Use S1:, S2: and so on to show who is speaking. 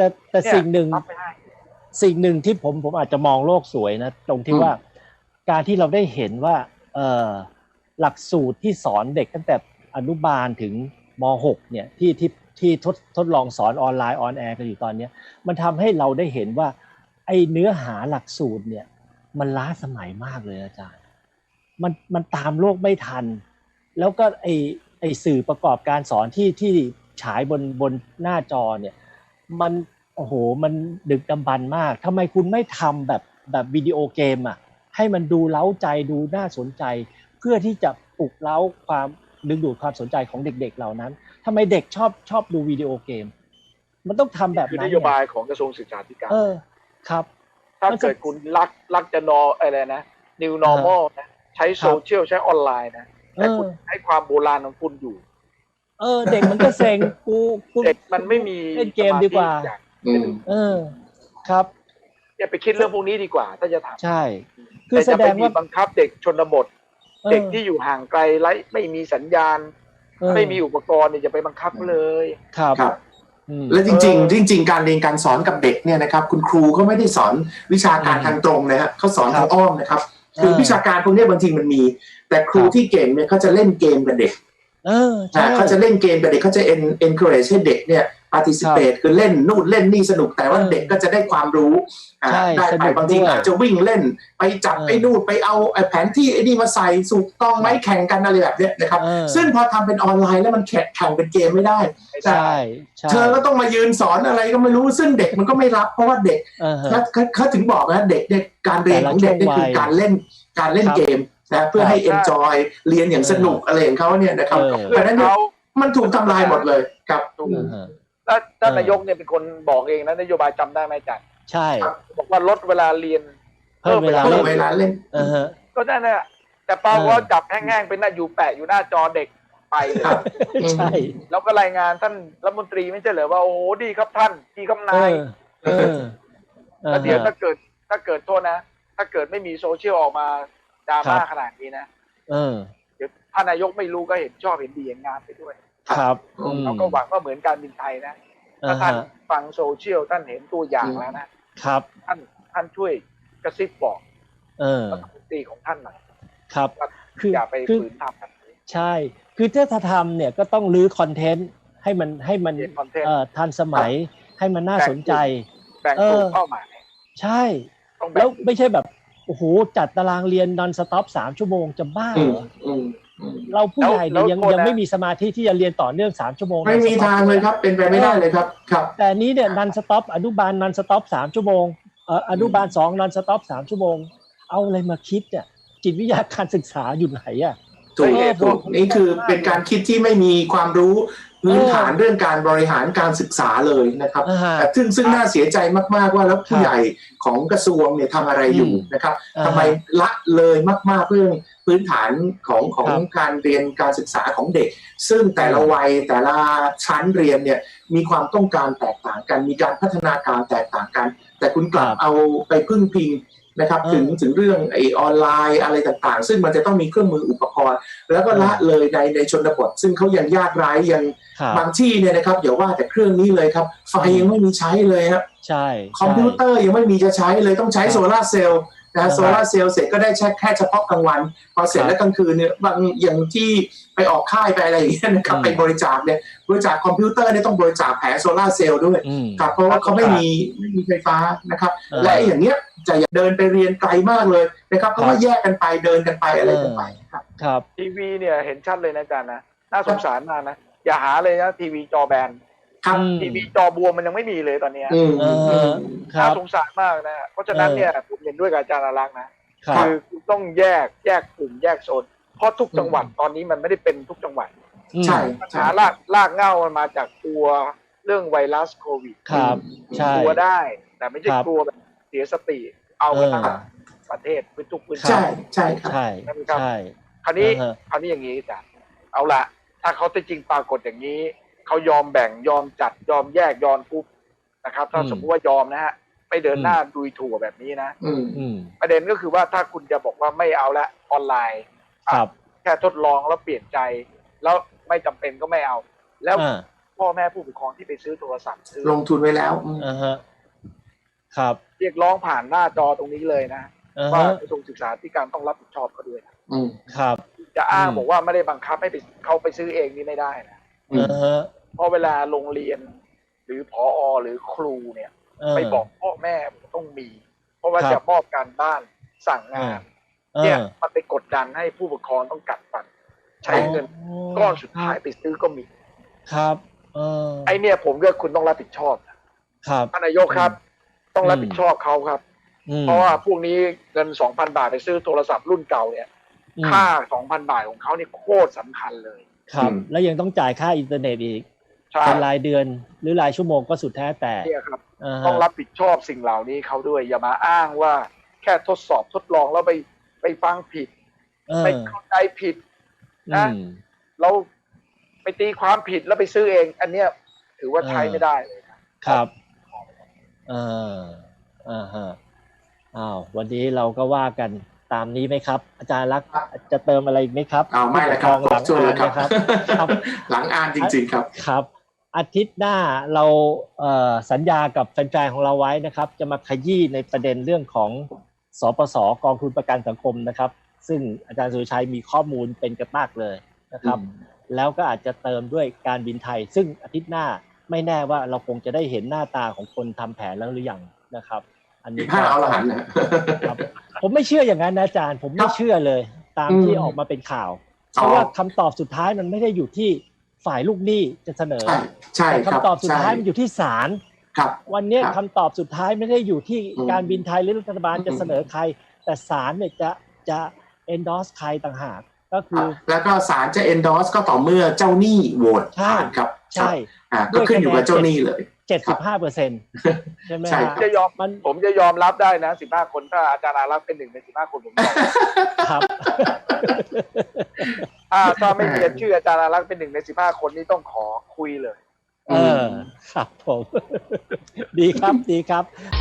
S1: แต่สิ่งหนึ่งที่ผมอาจจะมองโลกสวยนะตรงที่ว่าการที่เราได้เห็นว่าหลักสูตรที่สอนเด็กตั้งแต่อนุบาลถึงม.6 เนี่ยที่ทดลองสอนออนไลน์ออนแอร์กันอยู่ตอนนี้มันทำให้เราได้เห็นว่าไอ้เนื้อหาหลักสูตรเนี่ยมันล้าสมัยมากเลยอาจารย์มันตามโลกไม่ทันแล้วก็ไอ้สื่อประกอบการสอนที่ฉายบนหน้าจอเนี่ยมันโอ้โหมันดึกดำบรรพ์มากทำไมคุณไม่ทำแบบวิดีโอเกมอ่ะให้มันดูเร้าใจดูน่าสนใจเพื่อที่จะปลุกเร้าความดึงดูดความสนใจของเด็กๆเหล่านั้นทำไมเด็กชอบดูวิดีโอเกมมันต้องทำแบบนั้นคื
S2: อนโยบายของกระทรวงศึกษาธิการ
S1: ครับ
S2: ถ้าเกิดคุณรักจะอะไรนะ new normal นะใช้โซเชียลใช้ออนไลน์นะแต่คุณให้ความโบราณของคุณอยู่
S1: เด็กมันก็เซ็ง
S2: เด็กมันไม่มี
S1: เล่นเกมดีกว่าครับ
S2: อย่าไปคิดเรื่องพวกนี้ดีกว่าถ้าจะทำ
S1: ใช่คือแสดงว่า
S2: บังคับเด็กชนบทเด็กที่อยู่ห่างไกลไร้ไม่มีสัญญาณไม่มีอุปกรณ์เนี่ยอย่าไปบังคับเลย
S1: ครับ
S3: และจริงการเรียนการสอนกับเด็กเนี่ยนะครับคุณครูเขาไม่ได้สอนวิชาการทางตรงนะฮะเขาสอนทางอ้อมนะครับคือวิชาการพวกนี้บางทีมันมีแต่ครูที่เก่งเนี่ยเขาจะเล่นเกมกับเด็กเขาจะเล่นเกมกับเด็กเขาจะ encourage ให้เด็กเนี่ย participate คือเล่นนู่นเล่นนี่สนุกแต่ว่าเด็กก็จะได้ความรู้ได้ไปบางทีอาจจะวิ่งเล่นไปจับไอ้นู่นไปเอาแผนที่ไอ้นี่มาใส่ถูกต้องไหมแข่งกันอะไรแบบนี้นะครับซึ่งพอทำเป็นออนไลน์แล้วมันแข่งเป็นเกมไม่ได้เธอก็ต้องมายืนสอนอะไรก็ไม่รู้ซึ่งเด็กมันก็ไม่รับเพราะว่าเด็กเขาถึงบอกนะเด็กการเรียนของเด็กนี่คือการเล่นเกมนะเพื่อให้ enjoy เรียนอย่างสนุกอะไรของเขาเนี่ยนะครับเพราะฉะนั้นมันถูกทำลายหมดเลยครับ
S2: ท่านนายกเนี่ยเป็นคนบอกเองนะนโยบายจำได้ไหมจัด
S1: ใช่
S2: บอกว่าลดเวลาเรียน
S1: เพิ่มเวลา
S3: เล่น
S2: ก็ได้นะแต่เปาว่าจับแห้งๆเป็นหน้าอยู่แปะอยู่หน้าจอเด็กไปเลย
S1: ใช่
S2: แล้วก็รายงานท่านรัฐมนตรีไม่ใช่เหรอว่าโอ้ดีครับท่านดีครับนายแล้วเดี๋ยวถ้าเกิดโทษนะถ้าเกิดไม่มีโซเชียลออกมาดราม่าขนาดนี้นะเดี๋ยวท่านนายกไม่รู้ก็เห็นชอบเห็นดีเห็นงามไปด้วย
S1: ครับ
S2: เราก็หวังว่าเหมือนการบินไทยนะถ้าท่านฟังโซเชียลท่านเห็นตัวอย่างแล้วนะครับท่านช่วยกระซิบบอกรัฐมนตรีของท่านหน่อย
S1: ครับ
S2: คืออย่าไปฝืนทำกัน
S1: ใช่คือถ้าทำเนี่ยก็ต้องรื้อคอนเทนต์ให้มันทันสมัยให้มันน่าสนใจ
S2: แบ่งกลุ่มเป้าหมาย
S1: ใช่แล้วไม่ใช่แบบโอ้โหจัดตารางเรียนนอนสต็อป3 ชั่วโมงจะบ้าเหรอเราผู้ใหญ่เนี่ยยังไม่มีสมาธิที่จะเรียนต่อเนื่อง3 ชั่วโมง
S3: ไม่มีทางเลยครับเป็นไปไม่ได้เลยครับ
S1: แต่นี้เนี่ยนันสต็อปอนุบาลนันสต็อป3 ชั่วโมงอนุบาล2นันสต็อป3 ชั่วโมงเอาอะไรมาคิดเนี่ยจิตวิทยาการศึกษาอยู่ไหนอ่ะ
S3: ถูกนี่คือเป็นการคิดที่ไม่มีความรู้พื้นฐานเรื่องการบริหารการศึกษาเลยนะครับซึ่งน่าเสียใจมากๆว่าแล้วผู้ใหญ่ของกระทรวงเนี่ยทำอะไรอยู่นะครับทำไมละเลยมากๆเรื่องพื้นฐานของการเรียนการศึกษาของเด็กซึ่งแต่ละวัยแต่ละชั้นเรียนเนี่ยมีความต้องการแตกต่างกันมีการพัฒนาการแตกต่างกันแต่คุณกลับเอาไปพึ่งพิงนะครับถึงเรื่องไอออนไลน์อะไรต่างๆซึ่งมันจะต้องมีเครื่องมืออุปกรณ์แล้วก็ละเลยในชนบทซึ่งเขายังยากไร้ยังบางที่เนี่ยนะครับอย่าว่าแต่เครื่องนี้เลยครับไฟยังไม่มีใช้เลยครับ
S1: ใช่
S3: คอมพิวเตอร์ยังไม่มีจะใช้เลยต้องใช้โซลาร์เซลล์นะโซลาร์เซลล์เสร็จก็ได้แค่เฉพาะกลางวันพอเสร็จแล้วกลางคืนเนี่ยบางอย่างที่ไปออกค่ายไปอะไรอย่างเงี้ยนะครับไปบริจาคเนี่ยบริจาคคอมพิวเตอร์เนี่ยต้องบริจาคแผงโซลาร์เซลล์ด้วยครับเพราะว่าเขาไม่มีไฟฟ้านะครับและอย่างเงี้ยจะเดินไปเรียนไกลมากเลยนะครับเพราะว่าแยกกันไปเดินกันไปอะไรกันไป
S1: ครับ
S2: ทีวีเนี่ยเห็นชัดเลยนะอาจารย์นะน่าสงสารมากนะอย่าหาเลยนะทีวีจอแบนทีวีจอบวมมันยังไม่มีเลยตอนนี้น่าสงสารมากนะเพราะฉะนั้นเนี่ยผมเห็นด้วยกับอาจารย์อารักษ์นะคือต้องแยกกลุ่มแยกโซนเพราะทุกจังหวัดตอนนี้มันไม่ได้เป็นทุกจังหวัด
S3: ใช่
S2: ปัญหารากเหง้ามันมาจากกลัวเรื่องไวรัสโควิด
S1: ครับ
S2: กลัวได้แต่ไม่ใช่กลัวแบบเสียสติเอาไปทั้งประเทศพื้นทุกพื้น
S3: ใช่ใช่ครับ
S1: ใช่ใช่
S2: คราวนี้อย่างนี้จ้ะเอาละถ้าเขาจริงปรากฏอย่างนี้เขายอมแบ่งยอมจัดยอมแยกยอมทุบนะครับถ้าสมมติว่ายอมนะฮะไปเดินหน้าดุยถั่วแบบนี้นะประเด็นก็คือว่าถ้าคุณจะบอกว่าไม่เอาละออนไลน์แค่ทดลองแล้วเปลี่ยนใจแล้วไม่จำเป็นก็ไม่เอาแล้วคพ่อแม่ผู้ปกครองที่ไปซื้อโทรศัพท์ซื้อ
S3: ลงทุนไว้แล้ว
S1: ฮะครับ
S2: เรียกร้องผ่านหน้าจอตรงนี้เลยนะว่ากระทรวงศึกษาธิการต้องรับผิดชอบเขาด้วย
S1: ครับ
S2: จะอ้างบอกว่าไม่ได้บังคับให้ไปเขาไปซื้อเองนี่ไม่ได้นะเพราะเวลาโรงเรียนหรือผอ.หรือครูเนี่ยไปบอกพ่อแม่ต้องมีเพราะว่าจะมอบการบ้านสั่งงานเนี่ยมันไปกดดันให้ผู้ปกครองต้องกัดฟันใช้เงินก้อนสุดท้ายไปซื้อก็มี
S1: ครับ
S2: ไอเนี่ยผมเลือกคุณต้องรับผิดชอบ
S1: ครับ
S2: ท่านนายกครับต้องรับผิดชอบเขาครับเพราะว่าพวกนี้เงิน 2,000 บาทไปซื้อโทรศัพท์รุ่นเก่าเนี่ยค่า 2,000 บาทของเขานี่โคตรสำคัญเลย
S1: ครับแล้วยังต้องจ่ายค่าอินเทอร์เน็ตอีกเป็นรายเดือนหรือรายชั่วโมงก็สุดแท้แต่
S2: เนี่ยครับต้องรับผิดชอบสิ่งเหล่านี้เขาด้วยอย่ามาอ้างว่าแค่ทดสอบทดลองแล้วไปฟังผิดไปเข้าใจผิดนะเราไปตีความผิดแล้วไปซื้อเองอันเนี้ยถือว่าใช้ไม่ได้เลย
S1: ครับวันนี้เราก็ว่ากันตามนี้ไหมครับอาจารย์รักจะเติมอะไรไหมครับ
S3: ไม่เลยครับหลังอ่านครับหลังอ่านจริงๆครับ
S1: ครับอาทิตย์หน้าเราสัญญากับแฟนๆของเราไว้นะครับจะมาขยี้ในประเด็นเรื่องของสปส.กองทุนประกันสังคมนะครับซึ่งอาจารย์สุรชัยมีข้อมูลเป็นกระมากเลยนะครับแล้วก็อาจจะเติมด้วยการบินไทยซึ่งอาทิตย์หน้าไม่แน่ว่าเราคงจะได้เห็นหน้าตาของคนทำแผนแล้วหรือยังนะครับ
S3: อันนี้ผ้าอรหันต์นะครับ
S1: ผมไม่เชื่ออย่างนั้นนะอาจารย์ผมไม่เชื่อเลยตามที่ออกมาเป็นข่าวเพราะว่าคำตอบสุดท้ายมันไม่ได้อยู่ที่ฝ่ายลูกหนี้จะเสนอแต่คำตอบสุดท้ายมันอยู่ที่ศาลวันนี้คำตอบสุดท้ายไม่ได้อยู่ที่การบินไทยหรือรัฐบาลจะเสนอใครแต่ศาลเนี่ยจะ endorse ใครต่างหากก็คือ
S3: แล้วก็ศาลจะ endorse ก็ต่อเมื่อเจ้าหนี้โหวตผ่านครับ
S1: ใช่
S3: ก็ขึ้นอยู่กับเจ้าหนี้เลย
S1: 75%ใช่ไหม
S2: ผมจะยอมรับได้นะ15คนถ้าอาจารย์อารักษ์เป็น1ใน15คนผมยอม
S1: ครับ
S2: ถ้าไม่เขียนชื่ออาจารย์อารักษ์เป็น1ใน15คนนี้ต้องขอคุยเลย
S1: ครับผมดีครับ